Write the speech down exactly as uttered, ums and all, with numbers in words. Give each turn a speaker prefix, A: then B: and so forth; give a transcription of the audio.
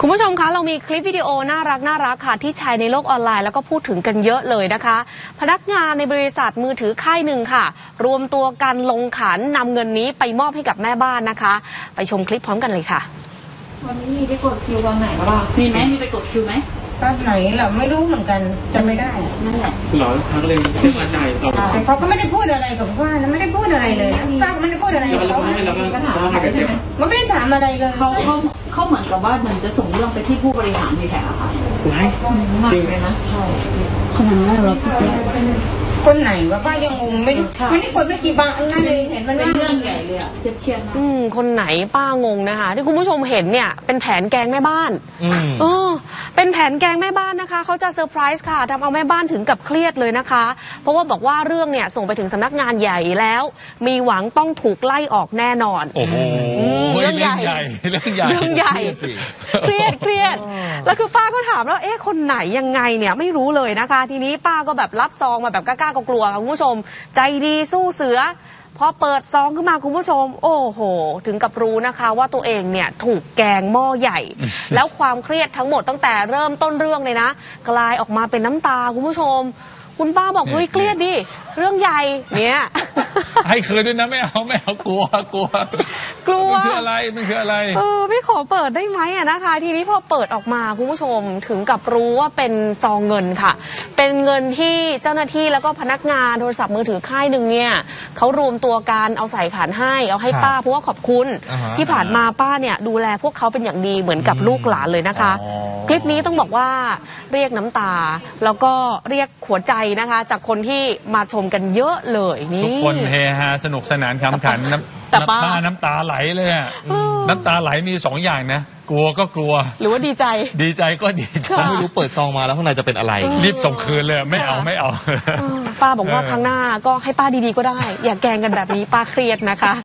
A: คุณผู้ชมคะเรามีคลิปวิดีโอน่ารักน่ารักค่ะที่แชร์ในโลกออนไลน์แล้วก็พูดถึงกันเยอะเลยนะคะพนักงานในบริษัทมือถือค่ายหนึ่งค่ะรวมตัวกันลงขันนำเงินนี้ไปมอบให้กับแม่บ้านนะคะไปชมคลิปพร้อมกันเลยค่ะ
B: วันนี้มีไปกดคิววันไหนบ้างมีไหมมีไปกดคิวไหม
C: ตอนไหนเราไม่รู้เหมือนกันจำไม่ได้
B: นั่นแหละ
D: หรอทั้งเลยไม่พอใจเรา
C: แต่เขาก็ไม่ได้พูดอะไรกับป้านะไม่ได้พูดอะไรเลยป้าก็ไม่ได้พูดอะไรกับเขา
B: ก็ถามอะไรใช่ไหม
C: มันไม่ได้ถามอะไรเลย
B: เขาเขาเขาเหมือนกับว่าเหมือนจะส่งเรื่องไปที่ผู้บริหารมีแผลค่ะ
D: ไว้
B: หนักเลยนะใช่ขนาดนั้นเราพี่เจ๊
C: คนไหนวะป้ายังงงไม่รู้ไม่ได้กดไม่กี่บาทนั่นเลยเห็นมัน
B: เป็นเรื่องใหญ่เลยอะเจ็บเครียดนะ
A: อืมคนไหนป้างงนะคะที่คุณผู้ชมเห็นเนี่ยเป็นแผนแกงแม่บ้านเออเป็นแผนแกงแม่บ้านนะคะเขาจะเซอร์ไพรส์ค่ะทำเอาแม่บ้านถึงกับเครียดเลยนะคะเพราะว่าบอกว่าเรื่องเนี่ยส่งไปถึงสำนักงานใหญ่แล้วมีหวังต้องถูกไล่ออกแน่นอน
E: โอ้โหเรื่องใหญ่เรื่องใหญ่
A: เรื่องใหญ่เครียดเครียดแล้วคือป้าก็ถามแล้วเอ๊ะคนไหนยังไงเนี่ยไม่รู้เลยนะคะทีนี้ป้าก็แบบรับซองมาแบบกล้าๆกลัวๆค่ะคุณผู้ชมใจดีสู้เสือพอเปิดซองขึ้นมาคุณผู้ชมโอ้โหถึงกับรู้นะคะว่าตัวเองเนี่ยถูกแกงหม้อใหญ่ แล้วความเครียดทั้งหมดตั้งแต่เริ่มต้นเรื่องเลยนะกลายออกมาเป็นน้ำตาคุณผู้ชมคุณป้าบอกเฮ้ยเครียดดิเรื่องใหญ่เนี่ย
E: ให้คืนด้วยนะไม่เอาไม่เอากลัวกลัว
A: กลัว
E: มันคืออะไรมันคืออะไร
A: เออไม่ขอเปิดได้ไหมอะนะคะทีนี้พอเปิดออกมาคุณผู้ชมถึงกับรู้ว่าเป็นซองเงินค่ะเป็นเงินที่เจ้าหน้าที่แล้วก็พนักงานโทรศัพท์มือถือค่ายหนึ่งเนี่ยเขารวมตัวกันเอาใส่ขันให้เอาให้ป้าเพราะว่าขอบคุณที่ผ่านมาป้าเนี่ยดูแลพวกเขาเป็นอย่างดีเหมือนกับลูกหลานเลยนะคะคลิปนี้ต้องบอกว่าเรียกน้ำตาแล้วก็เรียกหัวใจนะคะจากคนที่มาชมกันเยอะเลยนี่
E: ทุกคนเฮฮาสนุกสนานขำขันน้ำป้าน้ำตาไหลเลยอะน้ำตาไหลมีสองอย่างนะกลัวก็กลัว
A: หรือว่าดีใจ
E: ดีใจก็ดีใจ
D: ไม่รู้เปิดซองมาแล้วข้างในจะเป็นอะไร
E: รีบส่งคืนเลยไม่เอาไม่เอา
A: ป้าบอกว่าครั้งหน้าก็ให้ป้าดีๆก็ได้อย่าแกล้งกันแบบนี้ป้าเครียดนะคะ